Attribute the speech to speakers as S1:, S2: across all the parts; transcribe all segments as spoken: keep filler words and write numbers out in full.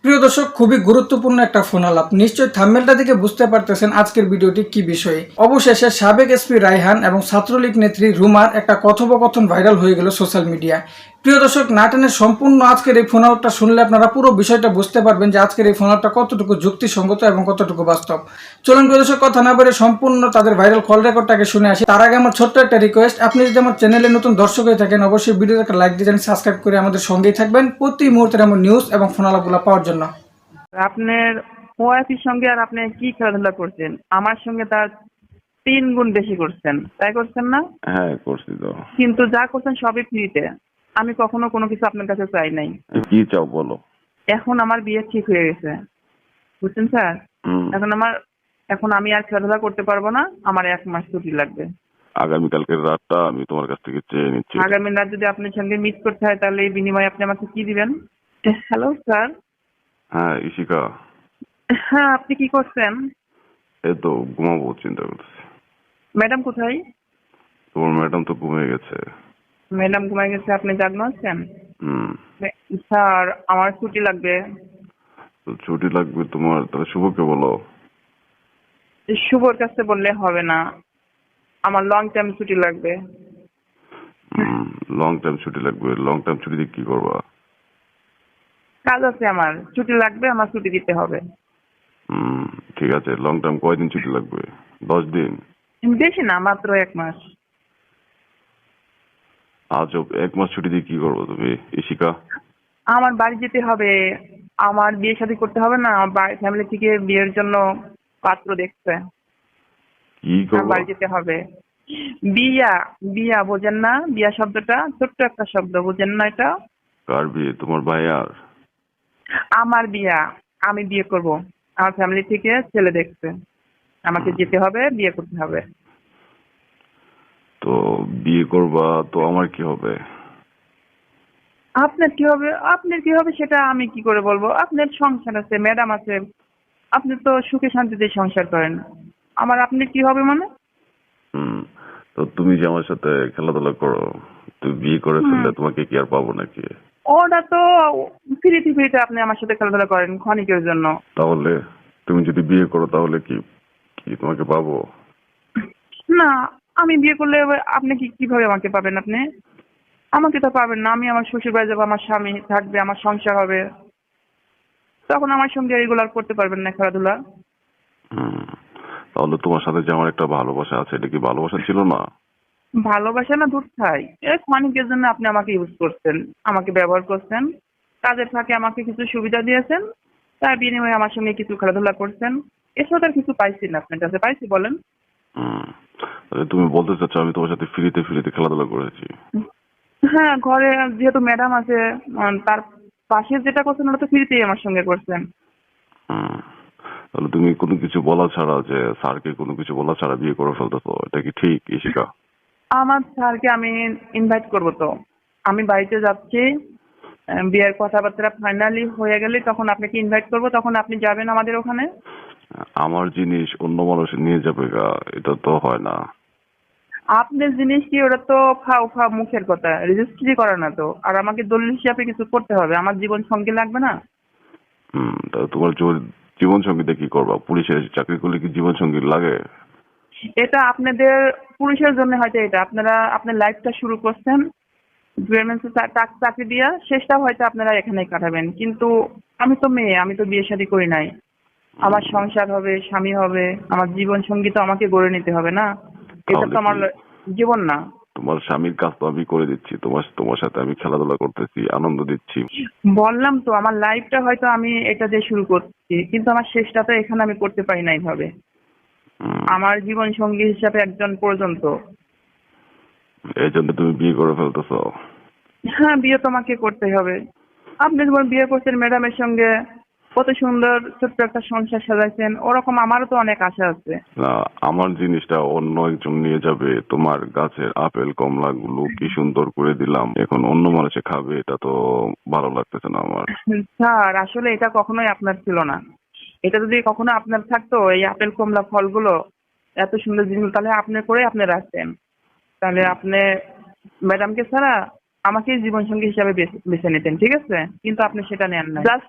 S1: প্রিয় দর্শক, খুবই গুরুত্বপূর্ণ একটা ফোন আলাপ। নিশ্চয়ই থাম্বনেলটা দেখে বুঝতে পারতেছেন আজকের ভিডিওটি কি বিষয়ে। অবশেষে সাবেক এসপি রায়হান এবং ছাত্রলীগ নেত্রী রুমার একটা কথোপকথন ভাইরাল হয়ে গেল সোশ্যাল মিডিয়ায়। প্রিয় দর্শক, নাটনের সম্পূর্ণ আজকের এই ফোন আলাপটা শুনলে আপনারা পুরো বিষয়টা বুঝতে পারবেন যে আজকের এই ফোন আলাপটা কতটুকু যুক্তিসঙ্গত এবং কতটুকু বাস্তব। চলুন প্রিয় দর্শক, কথা না বলে সম্পূর্ণ তাদের ভাইরাল কল রেকর্ডটাকে শুনে আসি। তার আগে আমার ছোট্ট একটা রিকোয়েস্ট, আপনি যদি আমার চ্যানেলে নতুন দর্শক হয়ে থাকেন অবশ্যই ভিডিওতে একটা লাইক দিয়ে সাবস্ক্রাইব করে আমাদের সঙ্গেই থাকবেন প্রতি মুহূর্তের এমন নিউজ এবং ফোন আলাপগুলো পাওয়ার জন্য।
S2: আপনার ওয়াইফের সঙ্গে আর আপনি কি খেলাধুলা করছেন? আমার সঙ্গে তার তিন গুণ বেশি করছেন, তাই করছেন না?
S3: হ্যাঁ, করছি তো।
S2: কিন্তু যা করছেন সবই ফ্রিতে। আমি কখনো কোনো কিছু আপনার কাছে চাই নাই।
S3: কি চাও বলো?
S2: এখন আমার বিয়ে ঠিক হয়ে গেছে, বুঝছেন স্যার?
S3: হুম।
S2: এখন আমার এখন আমি আর খেলাধুলা করতে পারবো না। আমার এক মাস ছুটি লাগবে।
S3: আগামীকালকের রাতটা আমি তোমার কাছ থেকে চেয়ে নিচ্ছি।
S2: আগামী রাত যদি আপনার সঙ্গে মিট করতে হয় তাহলে এই বিনিময়ে আপনি আমাকে কি দিবেন? Hello sir.
S3: হ্যাঁ ইশিকা,
S2: হ্যাঁ, আপনি কি করছেন?
S3: এই তো ঘুমাবো চিন্তা করতেছি।
S2: ম্যাডাম কোথায়?
S3: তোমার ম্যাডাম তো ঘুমিয়ে গেছে।
S2: ম্যাডাম ঘুমায় গেছে, আপনি জাগ্ন আছেন?
S3: হুম।
S2: স্যার, আমার ছুটি লাগবে।
S3: তো ছুটি লাগবে তোমার, তাহলে শুভকে বলো।
S2: শুভর কাছে বললে হবে না, আমার লং টাইম ছুটি লাগবে।
S3: লং টাইম ছুটি লাগবে? লং টাইম ছুটি দিয়ে কি করবা?
S2: কাজ আছে, আমার ছুটি লাগবে, আমার ছুটি দিতে হবে।
S3: হুম, ঠিক আছে। লং টাইম কয়দিন ছুটি লাগবে? দশ দিন?
S2: বেশি না, মাত্র এক মাস।
S3: আজ এক মাস ছুটি দিয়ে কি করবো তুমি ইশিকা?
S2: আমার বাড়ি যেতে হবে, আমার বিয়ে শাদী করতে হবে না? আমার ফ্যামিলি থেকে বিয়ের জন্য পাত্র দেখছে,
S3: কি
S2: আমার
S3: করবো?
S2: বাড়ি যেতে হবে। বিয়া, বিয়া বোঝেন না? বিয়া শব্দটা ছোট্ট একটা শব্দ, বোঝেন না এটা?
S3: কার বিয়ে? তোমার ভাইয়ার?
S2: আমার বিয়া, আমি বিয়ে করব। আমার ফ্যামিলি থেকে ছেলে দেখছে, আমাকে যেতে হবে, বিয়ে করতে হবে।
S3: তো বিয়ে করবা তো আমার কি হবে?
S2: আপনার কি হবে? আপনার কি হবে সেটা আমি কি করে বলবো? আপনার সংসার আছে, ম্যাডাম আছে, আপনি তো সুখে শান্তিতে সংসার করেন। আমার আপনি কি হবে মানে?
S3: হুম। তো তুমি যে আমার সাথে খেলাধুলা করো, তুমি বিয়ে করে
S2: হুম,
S3: ফেললে তোমাকে কি আর পাবো নাকি?
S2: ওটা তো ফ্রিতে ফ্রিতে আপনি আমার সাথে খেলাধুলা করেন ক্ষণিকের জন্য।
S3: তাহলে তুমি যদি বিয়ে করো তাহলে কি কি তোমাকে পাবো?
S2: না, আমি বিয়ে করলে আপনি কি কিভাবে আমাকে পাবেন? আপনি আমাকে তো পাবেন না। আমি আমার শ্বশুর বাড়ি যাবো, আমার স্বামী থাকবে, আমার সংসার হবে, তখন আমার সঙ্গে রেগুলার করতে পারবেন না খেলাধুলা।
S3: হুম। তাহলে তোমার সাথে যে আমার একটা ভালোবাসা আছে, এটা কি ভালোবাসা ছিল না?
S2: ভালোবাসা না দূর থাই, এ ক্ষণিকের জন্য আপনি আমাকে ইউজ করছেন, আমাকে ব্যবহার করছেন, কাজের ফাঁকে আমাকে কিছু সুবিধা দিয়েছেন, তার বিনিময়ে আমার সঙ্গে কিছু খেলাধুলা করছেন। এসব আর কিছু পাইছি না আপনার কাছে, পাইছি বলেন?
S3: হুম। তাহলে তুমি বলতে চাচ্ছ আমি তোমার সাথে ফ্রিতে ফ্রিতে খেলাধুলা করেছি?
S2: হ্যাঁ, ঘরে যেহেতু ম্যাডাম আছে, উম, তার পাশে যেটা করছেন ওটা তো ফ্রিতেই আমার সঙ্গে করছেন।
S3: হুম। তাহলে তুমি কোনো কিছু বলা ছাড়া, যে স্যারকে কোনো কিছু বলা ছাড়া বিয়ে করে ফেলতেছো, এটা কি ঠিক ইশিকা?
S2: আমার স্যারকে আমি ইনভাইট করব তো, আমি বাড়িতে যাচ্ছি, আহ, বিয়ের কথাবার্তা ফাইনালি হয়ে গেলে তখন আপনাকে ইনভাইট করব, তখন আপনি যাবেন আমাদের ওখানে।
S3: আমার জিনিস অন্য মানুষ নিয়ে যাবে গা, এটা তো হয় না।
S2: আপনার জিনিস কি, ওটা তো ফাও ফা মুখের কথা, রেজিস্ট্রি করা না তো। আর আমাকে দলিল হিসাবে কিছু করতে হবে, আমার জীবন সঙ্গী লাগবে না?
S3: হুম। তা তোমার জীবন সঙ্গীতে কি করবা? পুলিশের চাকরি করলে কি জীবন সঙ্গী লাগে?
S2: এটা আপনাদের পুরুষের জন্য হয়তো, এটা আপনারা আপনার লাইফটা শুরু করছেন গার্মেন্টসে চাকরি দিয়া, শেষটাও হয়তো আপনারা এখানেই কাটাবেন। কিন্তু আমি তো মেয়ে, আমি তো বিয়ে শাদী করি নাই। আমার সংসার হবে, স্বামী হবে, আমার জীবন সঙ্গী তো আমাকে গড়ে নিতে হবে না? এটা
S3: তাহলে
S2: তো
S3: কি
S2: আমার জীবন না।
S3: তোমার স্বামীর কাজ তো আমি করে দিচ্ছি, তোমার তোমার সাথে আমি খেলাধুলা করতেছি, আনন্দ দিচ্ছি।
S2: বললাম তো, আমার লাইফটা হয়তো আমি এটা দিয়ে শুরু করছি, কিন্তু আমার শেষটা তো এখানে আমি করতে পারি না এইভাবে।
S3: হুম।
S2: আমার জীবন সঙ্গী হিসাবে একজন প্রয়োজন তো।
S3: এই জন্য তুমি বিয়ে করে ফেলতেছো?
S2: হ্যাঁ, বিয়ে তোমাকে করতেই হবে। আপনি যেমন বিয়ে করছেন ম্যাডামের সঙ্গে, কত সুন্দর ছোট্ট একটা সংসার সাজাইছেন, ওরকম আমারও তো অনেক আশা আছে।
S3: না, আমার জিনিসটা অন্য একজন নিয়ে যাবে। তোমার গাছের আপেল কমলা গুলো কি সুন্দর করে দিলাম, এখন অন্য মানুষে খাবে, এটা তো ভালো লাগতেছে না আমার।
S2: স্যার, আসলে এটা কখনোই আপনার ছিল না। এটা যদি কখনো আপনার থাকতো, এই আপেল কমলা ফলগুলো, এত সুন্দর জিনিসগুলো, তাহলে আপনি করে আপনি রাখতেন। তাহলে আপনি ম্যাডামকে ছাড়া আমাকেই জীবন সঙ্গী হিসাবে বেছে বেছে নিতেন, ঠিক আছে? কিন্তু আপনি সেটা নেন না। জাস্ট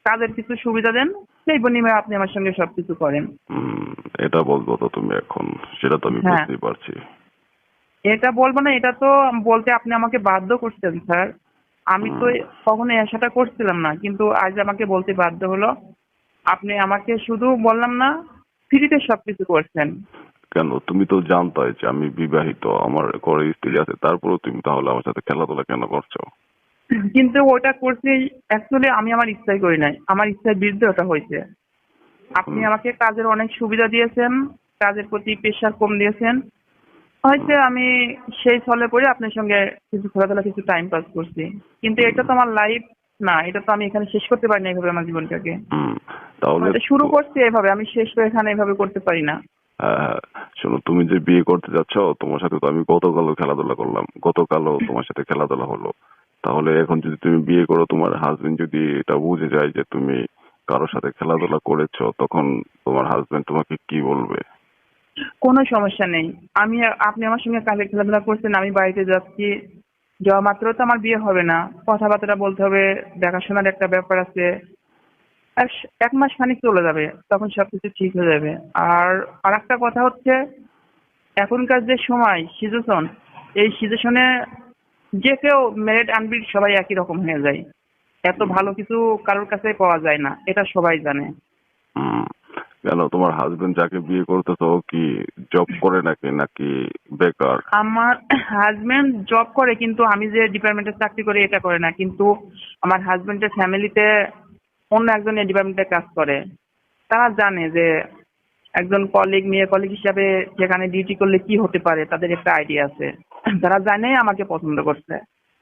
S2: কাজের কিছু সুবিধা দেন, সেই বিনিময়ে আপনি আমার সঙ্গে সবকিছু করেন।
S3: হুম, এটা বলবো তো তুমি এখন, সেটা তো আমি
S2: হ্যাঁ।
S3: বুঝতেই পারছি।
S2: এটা বলবো না, এটা তো বলতে আপনি আমাকে বাধ্য করছেন স্যার। আমি তো
S3: হুম।
S2: কখনো আশাটা করছিলাম না, কিন্তু আজ আমাকে বলতে বাধ্য হলো। আপনি আমাকে শুধু বললাম না, ফ্রিতে সবকিছু করছেন।
S3: কেন, তুমি তো জানতাই যে আমি বিবাহিত, আমার ঘরে স্ত্রী আছে, তারপরেও তুমি তাহলে আমার সাথে খেলাধুলা কেন করছো?
S2: কিন্তু ওটা করছি অ্যাকচুয়ালি আমি আমার ইচ্ছাই করি নাই, আমার ইচ্ছার বিরুদ্ধে ওটা হয়েছে। আপনি
S3: হুম।
S2: আমাকে কাজের অনেক সুবিধা দিয়েছেন, কাজের প্রতি প্রেশার কম দিয়েছেন, হয়তো আমি সেই ছলে পড়ে আপনার সঙ্গে কিছু খেলাধুলা কিছু টাইম পাস করছি। কিন্তু এটা তো আমার লাইফ না, এটা তো আমি এখানে শেষ করতে পারি না এইভাবে আমার জীবনটাকে।
S3: হুম, তাহলে
S2: হয়তো শুরু
S3: তো-
S2: করছি এভাবে, আমি শেষ করে এখানে এভাবে করতে পারি না।
S3: হ্যাঁ, হ্যাঁ, শোনো, তুমি যে বিয়ে করতে যাচ্ছ, তোমার সাথে তো আমি গতকালও খেলাধুলা করলাম, গতকালও তোমার সাথে খেলাধুলা হলো। তাহলে এখন যদি তুমি বিয়ে করো, তোমার হাজবেন্ড যদি এটা বুঝে যায় যে তুমি কারোর সাথে খেলাধুলা করেছো, তখন তোমার হাজবেন্ড তোমাকে কি বলবে?
S2: কোনো সমস্যা নেই। আমি আপনি আমার সঙ্গে কাজে খেলাধুলা করছেন, আমি বাড়িতে যাচ্ছি, যাওয়া মাত্র তো আমার বিয়ে হবে না, কথাবার্তা বলতে হবে, দেখাশোনার একটা ব্যাপার আছে। এক এক মাস খানিক চলে যাবে, তখন সবকিছু ঠিক হয়ে যাবে। আর আর একটা কথা হচ্ছে, এখনকার যে সময় সিচুয়েশন, এই সিচুয়েশনে যে কেউ মেরিট আনমেরিট সবাই একই রকম হয়ে যায়। এত ভালো কিছু কারোর কাছে পাওয়া যায় না, এটা সবাই জানে।
S3: হুম, কেন, তোমার হাজবেন্ড যাকে বিয়ে করতেছো ও কি জব করে নাকি নাকি বেকার?
S2: আমার হাজবেন্ড জব করে, কিন্তু আমি যে ডিপার্টমেন্টে চাকরি করি এটা করে না। কিন্তু আমার হাজবেন্ডের ফ্যামিলিতে অন্য একজন এই ডিপার্টমেন্টে কাজ করে। তারা জানে যে একজন কলিগ, মেয়ে কলিগ হিসাবে যেখানে ডিউটি করলে কি হতে পারে, তাদের একটা আইডিয়া আছে। তারা জানে আমাকে পছন্দ করছে।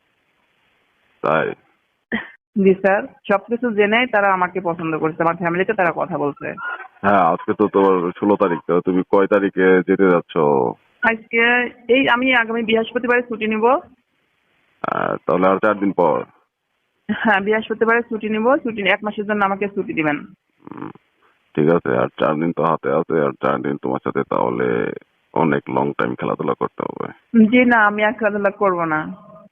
S3: তাই?
S2: জি স্যার, সবকিছু জেনেই তারা আমাকে পছন্দ করছে, আমার ফ্যামিলিতে তারা কথা বলছে।
S3: হ্যাঁ, আজকে তো তোমার ষোলো তারিখ, তো তুমি কয় তারিখে যেতে যাচ্ছ?
S2: আজকে এই আমি আগামী বৃহস্পতিবারে ছুটি নিব।
S3: আহ, তাহলে আর চার দিন পর।
S2: হ্যাঁ, বৃহস্পতিবারে ছুটি নিব, ছুটি এক মাসের জন্য আমাকে ছুটি দিবেন।
S3: হুম, ঠিক আছে, আর চার দিন তো হাতে আছে, আর চার দিন তোমার সাথে তাহলে অনেক লং টাইম খেলাধুলা করতে হবে।
S2: জি না, আমি আর খেলাধুলা করবো না।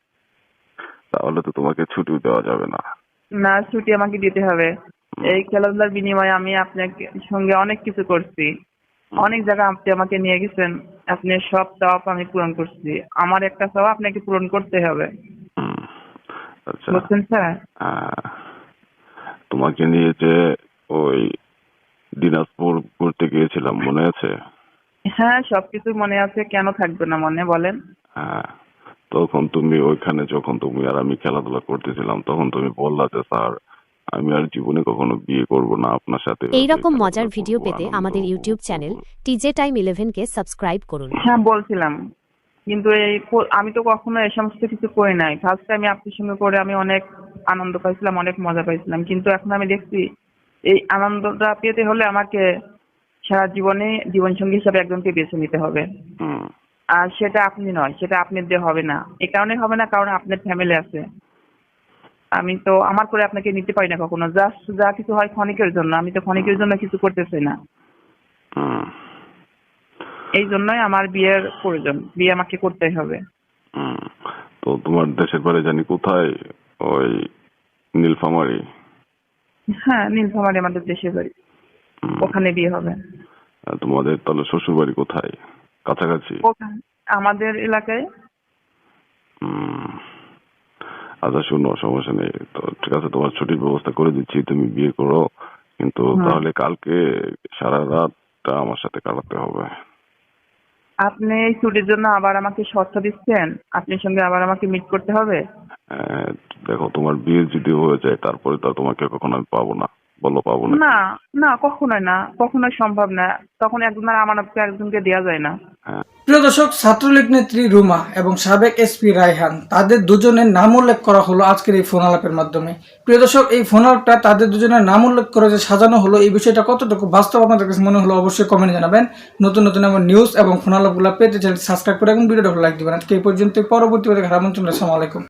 S3: তাহলে তো তোমাকে ছুটিও দেওয়া যাবে না।
S2: না, ছুটি আমাকে দিতে হবে। এই খেলাধুলার বিনিময়ে আমি আপনার সঙ্গে অনেক কিছু করছি, অনেক জায়গা আপনি আমাকে নিয়ে গেছেন, আপনি সব চাপ আমি পূরণ করছি। আমার একটা চাপ আপনাকে পূরণ করতে হবে,
S3: হুম, আচ্ছা।
S2: বুঝছেন স্যার?
S3: আহ, তোমাকে নিয়ে যে ওই দিনাজপুর ঘুরতে গিয়েছিলাম, মনে আছে?
S2: হ্যাঁ, সবকিছু মনে আছে, কেন থাকবে না মনে, বলেন।
S3: হ্যাঁ, তখন তুমি ওইখানে যখন তুমি আর আমি খেলাধুলা করতেছিলাম, তখন তুমি বললা যে স্যার, আমি আর জীবনে কখনো বিয়ে করব না, আপনার সাথে
S4: এই রকম
S3: খেলাধুলা
S4: মজার ভিডিও
S3: করবো,
S4: পেতে
S3: আনন্দ
S4: আমাদের ইউটিউব
S3: উপভোগ
S4: চ্যানেল
S3: করবো।
S4: টিজে টাইম ইলেভেন কে সাবস্ক্রাইব করুন।
S2: হ্যাঁ বলছিলাম, কিন্তু এই প- আমি তো কখনো এই সমস্ত কিছু করি নাই। ফার্স্ট টাইম আপনার সঙ্গে করে আমি অনেক আনন্দ পাইছিলাম, অনেক মজা পাইছিলাম। কিন্তু এখন আমি দেখছি এই আনন্দটা পেতে হলে আমাকে সারা জীবনে জীবনসঙ্গী হিসাবে একজনকে বেছে নিতে হবে।
S3: হুম,
S2: আর সেটা আপনি নয়, সেটা আপনার দিয়ে হবে না। এই কারণে হবে না কারণ আপনার ফ্যামিলি আছে। আমি তো আমার করে আপনাকে নিতে পারি না কখনো। জাস্ট যা কিছু হয় ক্ষণিকের জন্য, আমি তো ক্ষণিকের জন্য কিছু করতে চাই না।
S3: হুম,
S2: এই জন্যই আমার বিয়ের প্রয়োজন, বিয়ে আমাকে করতেই হবে।
S3: হুম। তো তোমার দেশের বাড়ি জানি কোথায়? ওই নীলফামারী?
S2: হ্যাঁ, নীলফামারী আমাদের দেশের বাড়ি,
S3: হুম।
S2: ওখানে বিয়ে হবে।
S3: আর তোমাদের তাহলে শ্বশুর বাড়ি কোথায়? কাছাকাছি?
S2: ওখানে আমাদের এলাকায়।
S3: হুম। আচ্ছা শুনো, সমস্যা নেই তো, ঠিক আছে, তোমার ছুটির ব্যবস্থা করে দিচ্ছি, তুমি বিয়ে করো, কিন্তু
S2: হুম।
S3: তাহলে কালকে সারা রাতটা আমার সাথে কাটাতে হবে।
S2: আপনি এই ছুটির জন্য আবার আমাকে শর্ত দিচ্ছেন, আপনার সঙ্গে আবার আমাকে মিট করতে হবে?
S3: আহ, দেখো, তোমার বিয়ে যদি হয়ে যায়, তারপরে তো আর তোমাকে কখনো আমি পাবো না, বলো পাবো না?
S2: না না, কখনোই না, কখনোই সম্ভব না। তখন একজনের আমানতকে একজনকে দেওয়া যায় না।
S3: হ্যাঁ।
S1: প্রিয় দর্শক, ছাত্রলীগ নেত্রী রুমা এবং সাবেক এসপি রায়হান, তাদের দুজনের নাম উল্লেখ করা হলো আজকের এই ফোন আলাপের মাধ্যমে। প্রিয় দর্শক, এই ফোন আলাপটা তাদের দুজনের নাম উল্লেখ করে যে সাজানো হলো, এই বিষয়টা কতটুকু বাস্তব আপনাদের কাছে মনে হলো অবশ্যই কমেন্টে জানাবেন। নতুন নতুন এমন নিউজ এবং ফোন আলাপগুলো পেতে চ্যানেল সাবস্ক্রাইব করে এবং ভিডিওটা লাইক দিবেন। আজকে এই পর্যন্ত, পরবর্তী আমন্ত্রণ। আসসালামু আলাইকুম।